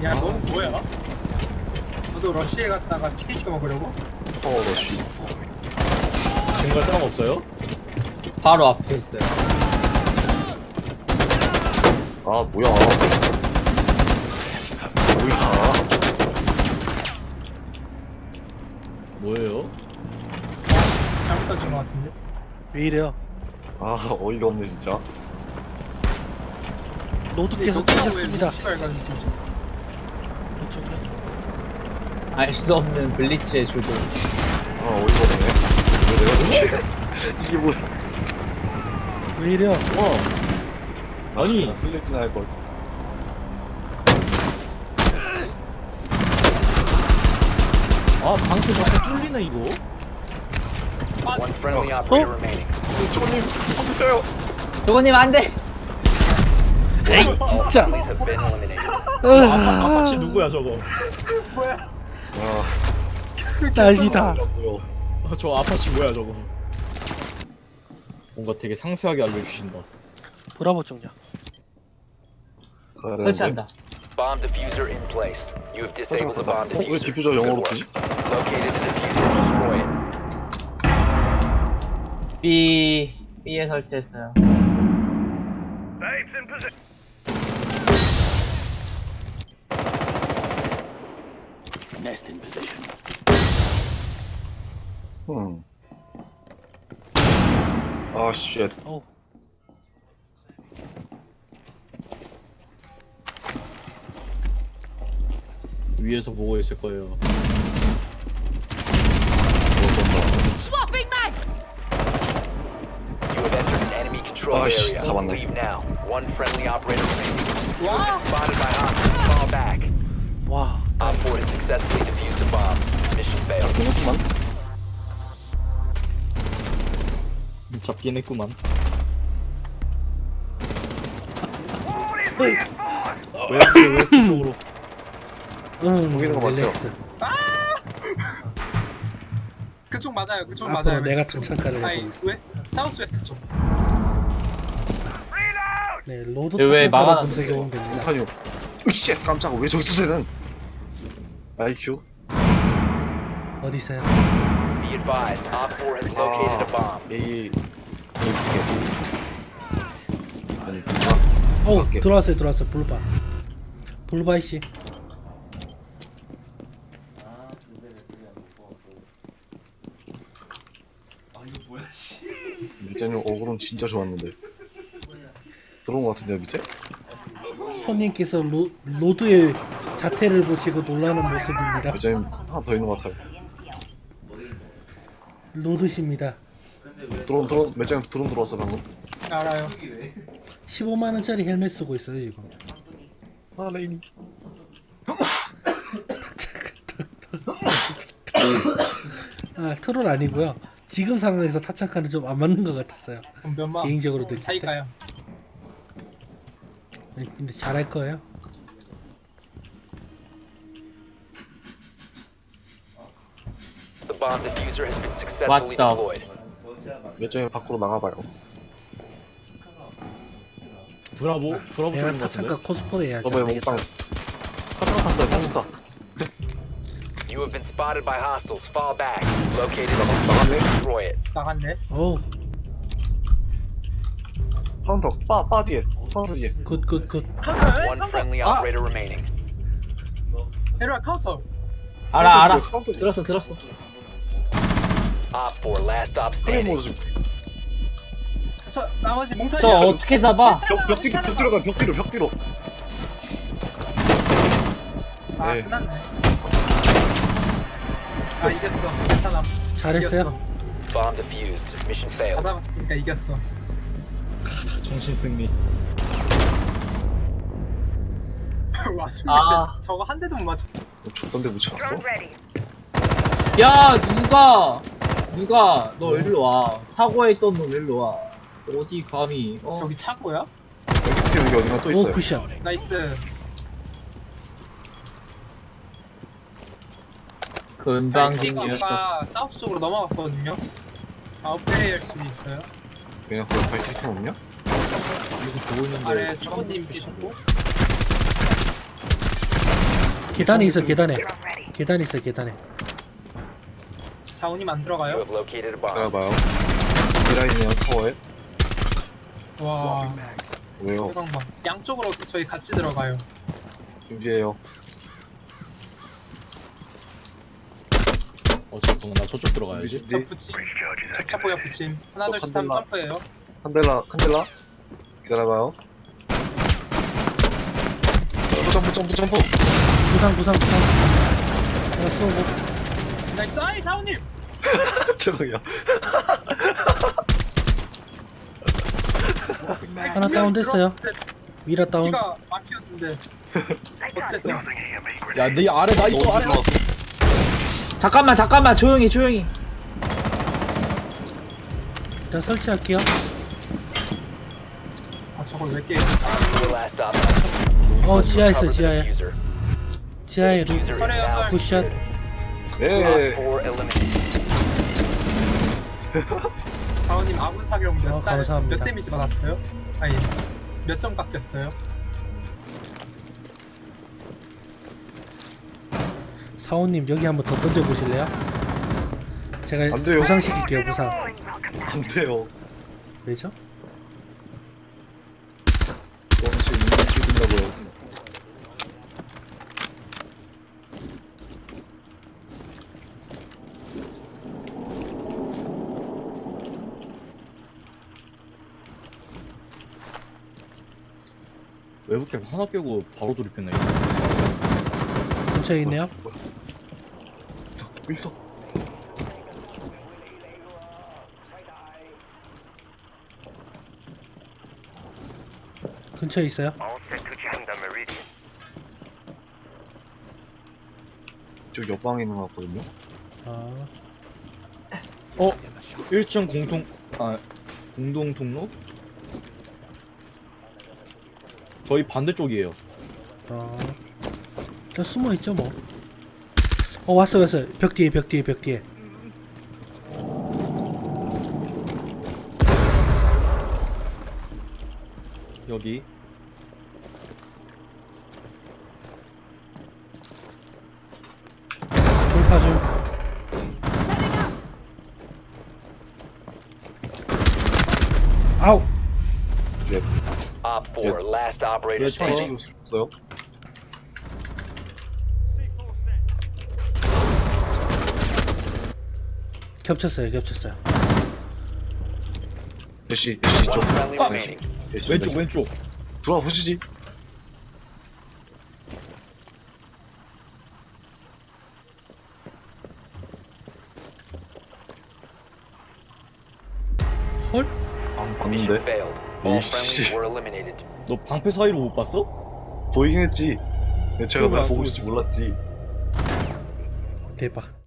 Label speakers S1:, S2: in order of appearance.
S1: 야, 너 뭐야? 너도 러시에 갔다가 치킨 시켜 먹으려고?
S2: 러쉬.
S3: 증거 사람 없어요?
S4: 바로 앞에 있어요.
S2: 아, 뭐야.
S3: 뭐예요?
S1: 잘못 던진 것 같은데?
S5: 왜 이래요?
S2: 아, 어이가 없네, 진짜.
S5: 노드께서
S1: 너가 왜
S5: 뚫렸습니다.
S1: 미치발 가는 거지?
S4: 알 수 없는 블리츠의 조종.
S2: 아, 어이가 없네. 왜 내가 저렇게. 이게 뭐야.
S5: 왜 이래요?
S3: 아니.
S2: 슬래진 할걸.
S3: 아 방패 자꾸 뚫리네 이거.
S6: One friendly operator remaining.
S2: 초님, 컴퓨터요.
S4: 조건님 안 돼!
S5: 에이 진짜.
S6: Friendlies have been eliminated.
S3: 아파치 누구야 저거?
S2: 아,
S5: 난리다.
S2: 뭐야.
S3: 저 아파치 뭐야 저거? 뭔가 되게 상세하게 알려주신다.
S5: 브라보 쪽냐?
S2: 가야 되는데.
S4: 설치한다.
S6: Bomb diffuser in place. You have disabled the bomb
S2: 왜
S6: diffuser.
S2: 디퓨저 영어로
S6: Good
S2: 뜨지?
S6: work. Located the diffuser. Destroy it.
S4: B에 설치했어요.
S2: 아, 쉣.
S5: 어.
S3: 위에서 보고 있을 거예요.
S7: Swapping mags!
S6: You have entered an enemy controlled
S2: Ah, shit,
S6: area.
S2: 잡았네.
S6: Leave now. One friendly operator remaining. You have been spotted by hostiles. Fall back.
S5: 와.
S6: Op 4 has successfully defused the bomb. Mission failed.
S2: 끊었구만.
S3: 잡긴 했구만. 웨스트 쪽으로.
S2: 보이는 거 맞죠?
S5: 릴렉스.
S1: 그쪽 맞아요, 그쪽
S5: 앞으로
S1: 맞아요.
S5: 내가
S1: 웨스트 쪽.
S5: 정찰가를
S1: 아니,
S5: 해보겠어.
S1: 웨스트, 사우스 웨스트 쪽.
S5: 네, 로드
S4: 왜
S5: 타창가를
S4: 막아놨어,
S5: 검색해
S4: 이거?
S5: 보면 됩니다.
S2: 탄이요. 으쌰, 깜짝아. 왜 저기 있어, 쟤는? IQ?
S5: 어디 있어요?
S6: Be advised. Op 4 has located a bomb.
S2: A. 아니,
S5: 어,
S2: 밖에.
S5: 들어왔어요. 블루바. 블루바이 씨.
S2: 밑에는 어그론 진짜 좋았는데. 들어온 거 같은데요, 밑에?
S5: 손님께서 로드의 자태를 보시고 놀라는 모습입니다.
S2: 밑에는 하나 더 있는 거 같아요.
S5: 로드십니다.
S2: 드론, 매장 드론 들어왔어, 방금.
S1: 알아요.
S5: 15만 원짜리 헬멧 쓰고 있어요, 이거.
S2: 아, 레인이.
S5: 아, 트롤 아니고요. 지금 상황에서 타창카는 좀 안 맞는 것 같았어요.
S1: 그럼 몇만?
S5: 개인적으로 느낄 때.
S1: 차이가요.
S5: 네, 근데 잘할 거예요.
S6: The bomb diffuser has been successfully
S4: 왔다.
S6: deployed.
S2: 매장에 밖으로 나가봐요.
S3: 브라보
S5: 내가
S3: 쪽인 것 같은데.
S5: 타창카 코스프레 해야지.
S2: 저번에 몽땅. 카트라 탔어요, 탔었다.
S6: You have been spotted by hostiles. Fall back. Located the diffuser. Destroy it.
S1: 나갔네.
S5: 어우,
S2: 카운터, 빠 뒤에. 카운터 뒤에.
S5: 굿.
S1: 카운터,
S6: One
S1: 카운터.
S6: friendly operator remaining.
S1: 에로야, 카운터.
S4: 알아.
S2: 카운터 뒤에.
S4: 들었어.
S6: Op 4 last stop
S2: 프레임
S6: standing.
S2: 모드 좀.
S1: 나머지 몽타니야.
S4: 저 어떻게 잡아?
S2: 벽 뒤로 가, 벽 뒤로.
S1: 아,
S2: 네.
S1: 끝났네. 아, 이겼어. 괜찮아.
S5: 잘했어요.
S1: 이겼어.
S6: Bomb defused. Mission
S1: 다
S6: failed.
S1: 잡았으니까 이겼어.
S3: 정신 승리.
S1: 와, 숨
S4: 아.
S1: 진짜 저거 한 대도 못 맞춰.
S2: 줬던데 묻혀놨어?
S4: 야, 누가 너 일로 와. 사고에 있던 놈 일로 와. 어디 감히?
S1: 저기 차고야?
S2: 여기 어딘가 또
S5: 오,
S2: 있어요.
S5: 굿샷.
S1: 나이스.
S4: 금방진 녀석.
S1: 아까 사우스 쪽으로 넘어갔거든요. 아웃플레이 할 수 있어요.
S2: 그냥 거기 발키리 없냐?
S3: 이거 보고 있는데.
S1: 아래 초보님 계셨고.
S5: 계단에 있어 계단에. 계단에 있어 계단에.
S1: 자훈님 안
S6: You
S1: 들어가요?
S6: have located a bomb.
S2: 기다려봐요. 미라이네요 타워에.
S1: 와
S2: 왜요?
S1: 소강방 양쪽으로 저희 같이 들어가요.
S2: 준비해요.
S3: 잠깐만 나 저쪽 들어가야지.
S1: 저
S2: 준비.
S1: 붙임 접착보야 붙임 하나 둘셋 하면
S2: 칸델라.
S1: 점프해요.
S2: 칸델라. 기다려봐요. 점프.
S5: 부상. 하나 쏘고.
S1: 나이스 아이 자훈님
S2: 죄송해요.
S5: 하나 다운됐어요. 미라 다운.
S1: 키가 막혔는데 어째서
S3: 야네 아래 나 있어 아래.
S4: 잠깐만 조용히.
S5: 일단 설치할게요.
S1: 아 저걸 왜 깨?
S6: Your last op.
S5: 지하에 있어
S6: Cover the
S5: 지하에.
S6: diffuser.
S5: 지하에 루.
S1: 설해요 설.
S5: 굿샷.
S6: Op
S2: 예.
S6: 4 eliminated.
S1: 자훈님 아군 사격
S5: 감사합니다.
S1: 몇 데미지 받았어요? 아니 몇 점 깎였어요?
S5: 사원님 여기 한번 더 던져 보실래요? 제가
S2: 안 돼요.
S5: 부상시킬게요 부상.
S2: 안 돼요.
S5: 왜죠?
S2: 엄청 인간 죽인다고요.
S3: 외부캡 하나 깨고 바로 돌입했네.
S5: 근처에 있네요.
S2: 있어.
S5: 근처에 있어요.
S2: 저 옆방에 있는 것 같거든요.
S5: 아,
S3: 1층 공동 통로? 저희 반대쪽이에요.
S5: 일단 숨어 있죠 뭐. 왔어요. 벽 뒤에.
S3: 여기.
S5: 돌파 중. 아우.
S2: 네.
S6: Op 4, last operator
S3: 그렇죠.
S6: standing.
S2: 찍을 수 없어요.
S5: 겹쳤어요.
S2: 대시
S6: One
S2: 쪽.
S6: friendly remaining.
S2: 대시
S3: 왼쪽.
S2: 들어와 보시지.
S5: 헐?
S2: 안
S6: Mission
S2: 봤는데.
S6: failed. All
S2: 이씨.
S6: friendlies were eliminated.
S3: 너 방패 사이로 못 봤어?
S2: 보이긴 했지. 근데 제가
S3: 그거
S2: 날
S3: 안
S2: 보고
S3: 쓰고
S2: 있을지
S3: 있어.
S2: 몰랐지.
S5: 대박.